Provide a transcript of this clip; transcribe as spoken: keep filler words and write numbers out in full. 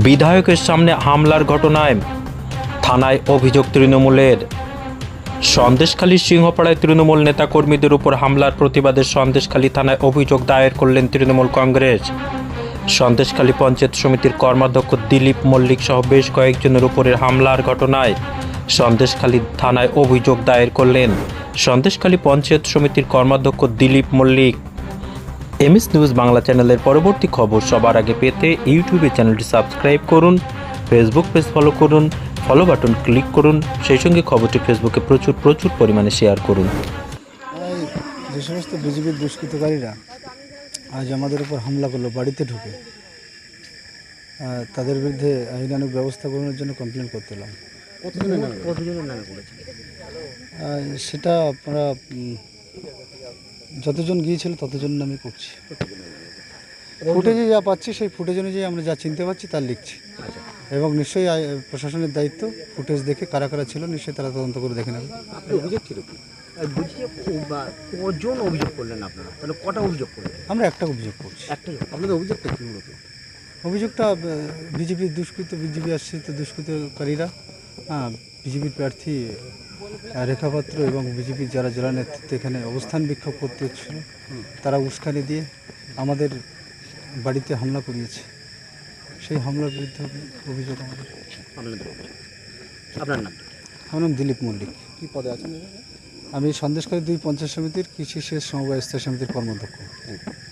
বিধায়কের সামনে হামলার ঘটনায় থানায় অভিযোগ তৃণমূলের। সন্দেশখালীর সিংহপাড়ায় তৃণমূল নেতাকর্মীদের উপর হামলার প্রতিবাদে সন্দেশখালী থানায় অভিযোগ দায়ের করলেন তৃণমূল কংগ্রেস। সন্দেশখালী পঞ্চায়েত সমিতির কর্মাধ্যক্ষ দিলীপ মল্লিক সহ বেশ কয়েকজনের উপরের হামলার ঘটনায় সন্দেশখালী থানায় অভিযোগ দায়ের করলেন সন্দেশখালী পঞ্চায়েত সমিতির কর্মাধ্যক্ষ দিলীপ মল্লিক। এমএস নিউজ বাংলা চ্যানেলের পরবর্তী খবর সবার আগে পেতে ইউটিউবে চ্যানেলটি সাবস্ক্রাইব করুন, ফেসবুক পেজ ফলো করুন, ফলো বাটন ক্লিক করুন, সেই সঙ্গে খবরটি ফেসবুকে প্রচুর প্রচুর পরিমাণে শেয়ার করুন। যে সমস্ত বিজেপির দুষ্কৃতকারীরা আজ আমাদের উপর হামলা করলো বাড়িতে ঢুকে, তাদের বিরুদ্ধে আইনানুগ ব্যবস্থা গ্রহণের জন্য কমপ্লেন করতে এলাম। সেটা আপনারা যতজন গিয়েছিল ততজন আমি করছি। ফুটেজে যা পাচ্ছি সেই ফুটেজ অনুযায়ী আমরা যা চিনতে পারছি তার লিখছি, এবং নিশ্চয়ই প্রশাসনের দায়িত্ব ফুটেজ দেখে কারা কারা ছিল নিশ্চয়ই তারা তদন্ত করে দেখে নেবে। অভিযোগ ছিল কি কজন অভিযোগ করলেন আপনারা? তাহলে কটা অভিযোগ করলেন? আমরা একটা অভিযোগ করছি। একটাই। আপনাদের অভিযোগটা কী মূলত? অভিযোগটা বিজেপির দুষ্কৃত বিজেপি আশ্রিত দুষ্কৃতকারীরা হ্যাঁ বিজেপির প্রার্থী রেখাপাত্র এবং বিজেপির যারা জেলা নেতৃত্বে এখানে অবস্থান বিক্ষোভ করতে হচ্ছিল, তারা উস্কানি দিয়ে আমাদের বাড়িতে হামলা করিয়েছে। সেই হামলার বিরুদ্ধে অভিযোগ আমাদের। আপনার নাম? আমার নাম দিলীপ মল্লিক। কী পদে আছেন? আমি সন্দেশখালী দুই পঞ্চায়েত সমিতির কৃষি সেচ সমবায় স্থায়ী সমিতির কর্মাধ্যক্ষ।